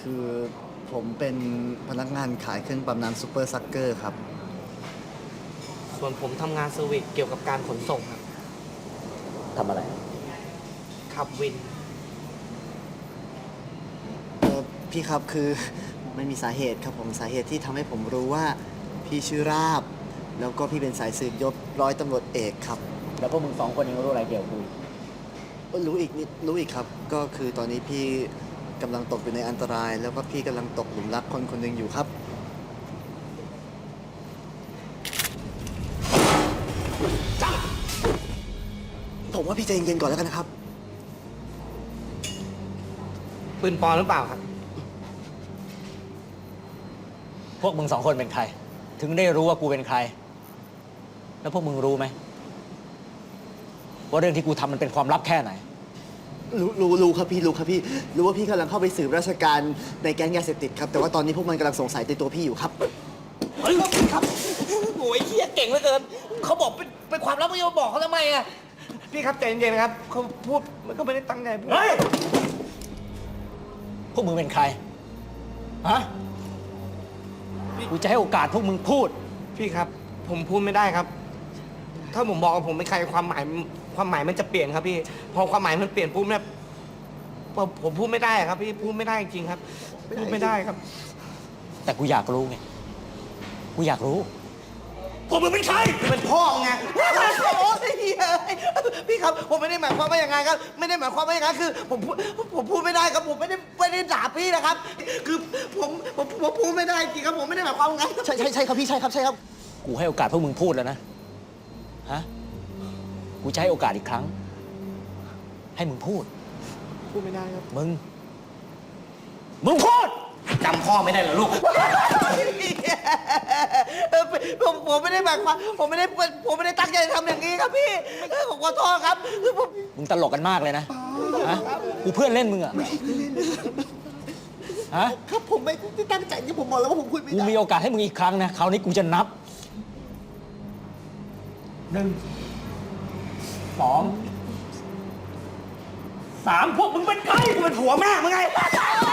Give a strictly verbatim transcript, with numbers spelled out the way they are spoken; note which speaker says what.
Speaker 1: คือผมเป็นพนักงานขายเครื่องปั๊มน้ำซูเปอร์ซักเกอร์ครับ
Speaker 2: ส่วนผมทำงานเซอร์วิสเกี่ยวกับการขนส่งครับ
Speaker 3: ทำอะไร
Speaker 2: ขับวิน
Speaker 1: เออพี่ครับคือ ไม่มีสาเหตุครับผมสาเหตุที่ทำให้ผมรู้ว่าพี่ชื่อราบ แล้วก็พี่เป็นสายสืบยศร้อยตำรวจเอกครับ
Speaker 3: แล้วพวกมึงสองคนยังรู้อะไรเกี่ยวกับกู
Speaker 1: เออรู้อีกนิดรู้อีกครับ ก็คือตอนนี้พี่กำลังตกอยู่ในอันตราย แล้วก็พี่กำลังตกหลุมรักคนคนหนึ่งอยู่ครับ ผมว่าพี่ใจเย็นๆก่อนแล้วกันนะครับ
Speaker 2: ปืนปลอมหรือเปล่าครับ
Speaker 3: พวกมึงสองคนเป็นใคร ถึงได้รู้ว่ากูเป็นใคร แล้วพวกมึงรู้ไหมว่าเรื่องที่กูทำมันเป็นความลับแค่ไหน
Speaker 1: รู้รู้รู้ครับพี่รู้ครับพี่รู้ว่าพี่กำลังเข้าไปสืบราชการในแก๊งยาเสพติดครับแต่ว่าตอนนี้พวกมันกำลังสงสัยในตัวพี่อยู่ครับ
Speaker 2: เฮ้ยครับโอ้ยเฮียเก่งเหลือเกิน เขาบอกเป็นเป็นความลับไม่ยอมบอกเขาทำไมอ่ะ พี่ครับใจเย็นๆนะครับเขาพูดมันก็ไม่ได้ตั้งใจพูด
Speaker 3: เฮ้ย พวกมึงเป็นใคร ฮะ กูจะให้โอกาสพวกมึงพูด
Speaker 2: พี่ครับ ผมพูดไม่ได้ครับ ถ้าผมบอกว่าผมเป็นใครความหมายความหมายมันจะเปลี่ยนครับพี่ พอความหมายมันเปลี่ยนปุ๊บเนี่ยผมผมพูดไม่ได้ครับพี่พูดไม่ได้จริงๆครับพูดไม่ได้ครับ
Speaker 3: แต่กูอยากรู้ไง กูอยากรู้
Speaker 2: พวกมึงเป็นใครเป็นพ่อไงโอ้ยพี่ครับผมไม่ได้หมายความว่าอย่างไงครับ ไม่ได้หมายความว่าอย่างนั้นคือ ผมพูดผมพูดไม่ได้ครับผมไม่ได้ไม่ได้ด่าพี่นะครับ คือผมผมผมพูดไม่ได้จริงครับผมไม่ได้หมายความว่างั้น
Speaker 1: ใช่ใช่ใช่ครับพี่ใช่ครับใช่ครับ
Speaker 3: กูให้โอกาสพวกมึงพูดแล้วนะ ฮะ กูจะให้โอกาสอีกครั้ง ให้มึงพูด
Speaker 2: พูดไม่ได้ครับ
Speaker 3: มึง มึงพูด
Speaker 2: จำพ่อไม่ได้เหรอลูกผมผมไม่ได้หมายความผมไม่ได้ผมไม่ได้ตั้งใจทำอย่างนี้ครับพี่ผมขอโทษครับผม
Speaker 3: มึงตลกกันมากเลยนะ ฮะ กูเพื่อนเล่นมึงอะฮะ
Speaker 1: ครับผมไม่ได้ตั้งใจที่ผมบอกแล้วว่าผมคุยไม่
Speaker 3: กู
Speaker 1: ได้
Speaker 3: มีโอกาสให้มึงอีกครั้งนะ คราวนี้กูจะนับ หนึ่ง สอง สามพวกมึงเป็นใคร
Speaker 2: กูเป็นผัวแม่มึงไง